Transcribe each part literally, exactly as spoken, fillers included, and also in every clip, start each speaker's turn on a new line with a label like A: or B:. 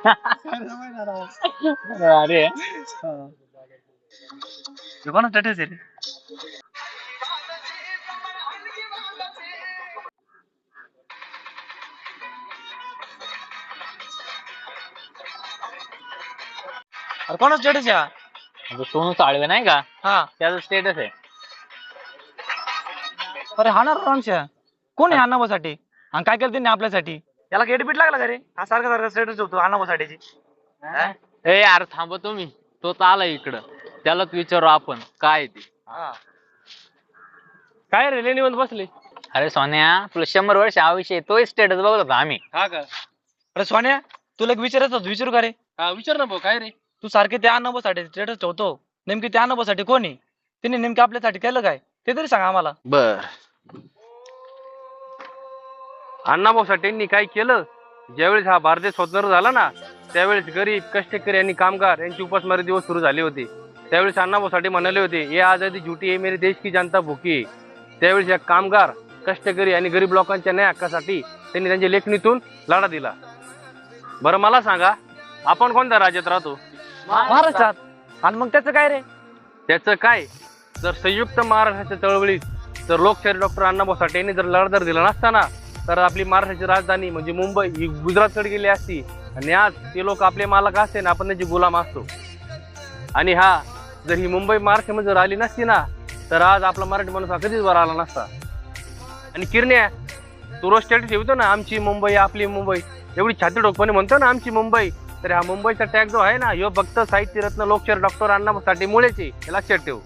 A: अरे कोणा स्टेटस आहे रे? अरे कोणा स्टेटस आहे? सोनू साळवे नाही का? हा त्याचा स्टेटस आहे. अरे हा ना रामशा, कोण आहे अण्णाभाऊसाठी आणि काय केलं त्यांनी आपल्यासाठी? त्याला गेटबीट लागला का रे? हा सारखा सारखा स्टेटस होतो अण्णाभाऊसाठीची.
B: ए यार थांब तुम्ही, तो तर आला इकडं, त्यालाच विचारू आपण काय ते.
A: काय रे लेणीवर बसले?
B: अरे सोन्या, तुला शंभर वर्ष आयुष्य तो स्टेटस बघत होता आम्ही.
A: हा का? अरे सोन्या, तुला एक विचारायचं होतं, विचारू का रे? हा विचार ना भाऊ. काय रे? तू सारखे त्या अण्णाभाऊसाठी स्टेटस ठेवतो, नेमकी त्या अण्णाभाऊसाठी कोण आहे? तिने नेमकं आपल्यासाठी केलं काय ते तरी सांगा आम्हाला.
B: बर,
C: अण्णाभाऊसाठींनी काय केलं? ज्यावेळेस हा भारत देश स्वतंत्र झाला ना, त्यावेळेस गरीब कष्टकरी आणि कामगार यांची उपासमारी दिवस सुरू झाले होते. त्यावेळेस अण्णाभाऊसाठी म्हणाले होते, ये आजादी झुटी है मेरे देश की जनता भुकी. त्यावेळेस या कामगार कष्टकरी आणि गरीब लोकांच्या न्याय हक्कासाठी त्यांनी त्यांच्या लेखणीतून लढा दिला. बरं मला सांगा, आपण कोणत्या राज्यात राहतो?
A: महाराष्ट्रात. आणि मग त्याचं काय रे?
C: त्याचं काय, जर संयुक्त महाराष्ट्राच्या चळवळीत जर लोकशाहीर डॉक्टर अण्णाभाऊ साठे यांनी जर लढा जर दिला नसताना, तर आपली महाराष्ट्राची राजधानी म्हणजे मुंबई ही गुजरातकडे गेली असती आणि आज ते लोक आपले मालक असते ना, आपण त्यांचे गुलाम असतो. आणि हा जर ही मुंबई महाराष्ट्रामध्ये जर आली नसती ना, तर आज आपला मराठी माणूस हा कधीच वर आला नसता. आणि किरण्या, तू रोज स्टेटस ठेवतो ना, आमची मुंबई आपली मुंबई, एवढी छाती ठोकपणे म्हणतो ना आमची मुंबई, तर हा मुंबईचा टॅग जो आहे ना, ह्यो फक्त साहित्यरत्न लोकशाहीर डॉक्टर अण्णाभाऊ साठे मुळेच आहे, हे लक्षात ठेव.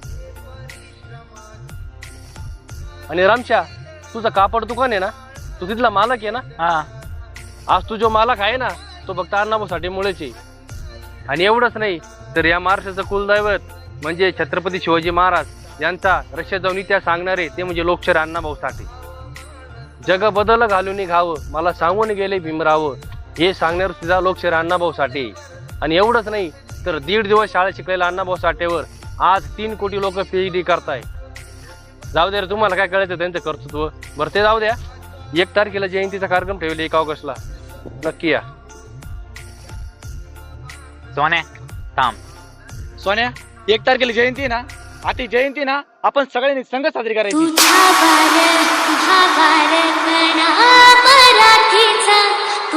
C: आणि रामशा, तुझं कापड दुकान आहे ना, तू तिथला मालक आहे ना?
A: हा.
C: आज तू जो मालक आहे ना, तो फक्त अण्णाभाऊ साठे मुळेच आहे. आणि एवढंच नाही, तर या महाराष्ट्राचं कुलदैवत म्हणजे छत्रपती शिवाजी महाराज यांचा रशियात जाऊन इतिहास सांगणारे ते म्हणजे लोकशाहीर अण्णाभाऊ साठे. जग बदल घालून घावं, मला सांगून गेले भीमराव, हे सांगणार सुद्धा लोकशाहीर अण्णाभाऊ साठे. आणि एवढंच नाही, तर दीड दिवस शाळा शिकलेल्या अण्णाभाऊ साठेवर आज तीन कोटी लोक पीएचडी करताय. जाऊ द्या रे, तुम्हाला काय कळायचं त्यांचं कर्तृत्व. बरं ते जाऊ द्या, एक तारखेला जयंतीचा कार्यक्रम ठेवले एक ऑगस्टला, नक्की या.
B: सोन्या थांब.
A: सोन्या, एक तारखेला जयंती ना, आता जयंती ना आपण सगळ्यांनी संघ साजरी करायची.
D: तुझा बार तुझा बार कणा मराठीचा